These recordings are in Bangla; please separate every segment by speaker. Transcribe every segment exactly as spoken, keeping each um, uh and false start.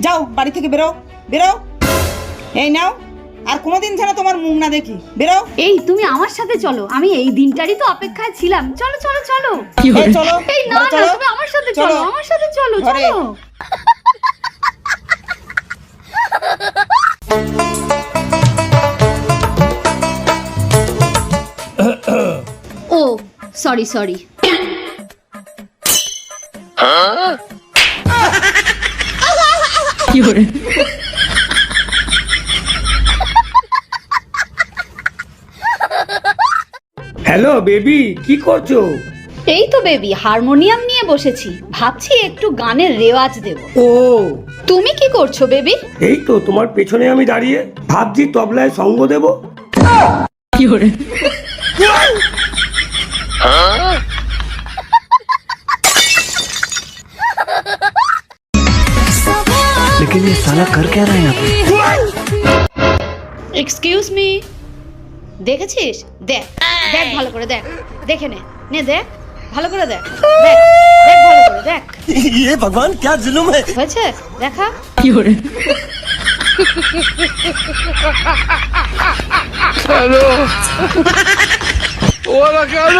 Speaker 1: যাও বাড়ি থেকে বেরো বেরো। এই নাও, আর কোনোদিন যেন তোমার মুখ না দেখি। বেরো।
Speaker 2: এই তুমি আমার সাথে চলো, আমি এই দিনটারই তো অপেক্ষায় ছিলাম। চলো চলো চলো।
Speaker 1: এই চলো।
Speaker 2: এই না না, তুমি আমার সাথে চলো, আমার সাথে চলো চলো। ও সরি সরি।
Speaker 3: হ্যালো বেবি, কি করছো?
Speaker 2: এই তো বেবি, হারমোনিয়াম নিয়ে বসেছি, ভাবছি একটু গানের রেওয়াজ দেব।
Speaker 3: ও
Speaker 2: তুমি কি করছো বেবি?
Speaker 3: এই তো তোমার পেছনে আমি দাঁড়িয়ে ভাবছি তবলায় সঙ্গ দেব।
Speaker 2: কি করে?
Speaker 4: लेकिन ये साला कर क्या रहा है यहाँ पे?
Speaker 2: এক্সকিউজ মি, দেখেছিস? দেখ দেখ ভালো করে দেখ, দেখে নে নে দেখ ভালো করে দেখ, দেখ দেখ ভালো করে দেখ।
Speaker 4: ये भगवान क्या जुल्म है?
Speaker 2: হয়েছে দেখা?
Speaker 4: কি করে?
Speaker 5: হ্যালো ওরা কেন?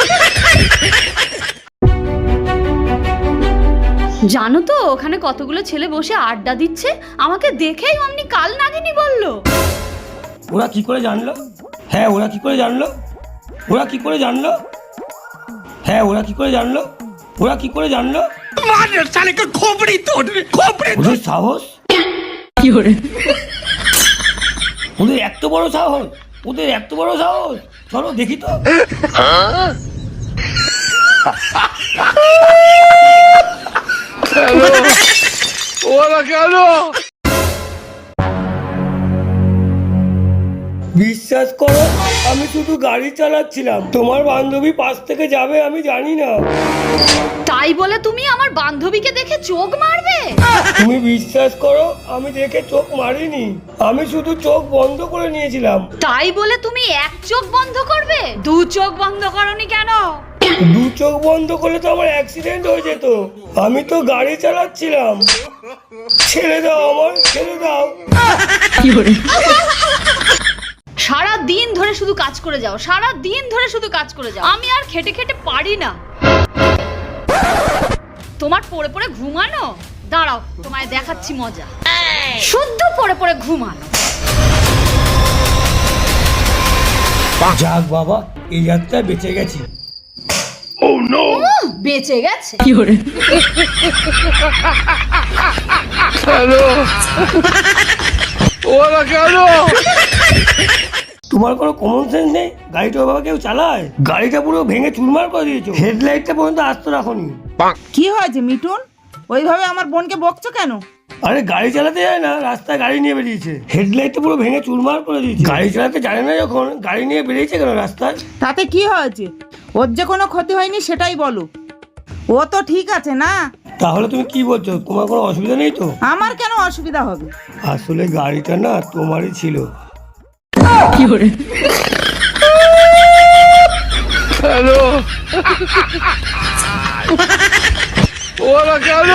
Speaker 2: জানো তো ওখানে কতগুলো ছেলে বসে আড্ডা দিচ্ছে, আমাকে দেখেই অমনি কাল নাগিনী বললো।
Speaker 3: ওরা কি করে জানলো? হ্যাঁ ওরা কি করে জানলো? ওরা কি করে জানলো? হ্যাঁ ওরা কি করে জানলো? ওরা কি করে জানলো? ওদের সাহস!
Speaker 4: কি করে?
Speaker 3: ওদের এত বড় সাহস! ওদের এত বড় সাহস! চলো দেখি তো।
Speaker 5: হ্যালো ওরা কেন?
Speaker 3: বিশ্বাস করো, আমি শুধু গাড়ি চালাচ্ছিলাম, তোমার বান্ধবী পাশ থেকে যাবে আমি জানি না।
Speaker 2: তাই বলে তুমি আমার বান্ধবীকে দেখে চোখ মারবে?
Speaker 3: তুমি বিশ্বাস করো, আমি দেখে চোখ মারিনি, আমি শুধু চোখ বন্ধ করে নিয়েছিলাম।
Speaker 2: তাই বলে তুমি এক চোখ বন্ধ করবে? দু চোখ বন্ধ করনি কেন?
Speaker 3: দু চোখ বন্ধ করলে তো আমার অ্যাক্সিডেন্ট হয়ে যেত, আমি তো গাড়ি চালাচ্ছিলাম। ছেড়ে দাও আমার, ছেড়ে দাও।
Speaker 4: কি করে?
Speaker 2: সারা দিন ধরে শুধু কাজ করে যাও, সারা দিন ধরে শুধু কাজ করে যাও, আমি আর খেটে খেটে পারি না। তোমার পড়ে পড়ে ঘুমানো, দাঁড়াও তোমায় দেখাচ্ছি মজা। শুদ্ধ পড়ে পড়ে ঘুমানো।
Speaker 3: যাক বাবা, এই যাত্রায় বেঁচে গেছি।
Speaker 5: Oh no!
Speaker 2: উহ, বেঁচে গেছে।
Speaker 4: কি করে?
Speaker 5: হ্যালো ওরা কেন?
Speaker 3: তোমার কোনো কমন সেন্স নেই? গাড়িটা বাবা কেউ চালায়? গাড়িটা পুরো ভেঙে চুরমার করে দিয়েছো, হেডলাইটটা পর্যন্ত আস্ত রাখোনি।
Speaker 1: কি হয়েছে মিঠুন, ওইভাবে আমার বোনকে বকছো কেন?
Speaker 3: আরে গাড়ি চালাতে যায় না, রাস্তায় গাড়ি নিয়ে বেরিয়েছে, হেডলাইটটা পুরো ভেঙে চুরমার করে দিয়েছে। গাড়ি চালাতে জানে না যখন গাড়ি নিয়ে বেরিয়েছে কেন রাস্তায়?
Speaker 1: তাতে কি হয়েছে? ওর যে কোনো ক্ষতি হয়নি সেটাই বলো, ও তো ঠিক আছে না?
Speaker 3: তাহলে তুমি কি বলছো, তোমার কোনো অসুবিধা নেই তো?
Speaker 1: আমার কেন অসুবিধা হবে?
Speaker 3: আসলে গাড়িটা না তোমারই ছিল।
Speaker 4: কি করে?
Speaker 5: হ্যালো ওরা কেন?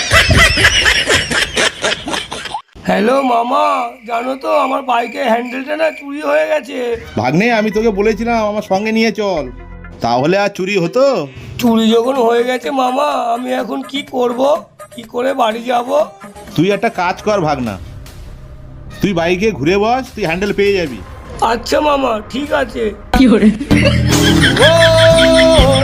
Speaker 3: হ্যালো মামা, জানো তো আমার বাইকের হ্যান্ডেলটা না চুরি হয়ে গেছে।
Speaker 6: ভাগ্নে, আমি তোকে বলেছিলাম আমার সঙ্গে নিয়ে চল, তাহলে আর চুরি হতো?
Speaker 3: চুরি যখন হয়ে গেছে মামা, আমি এখন কি করব? কি করে বাড়ি যাব?
Speaker 6: তুই একটা কাজ কর ভাগনা, তুই বাইকে ঘুরে বস, তুই হ্যান্ডেল পেয়ে যাবি।
Speaker 3: আচ্ছা মামা, ঠিক আছে।
Speaker 4: কি করে?
Speaker 3: ও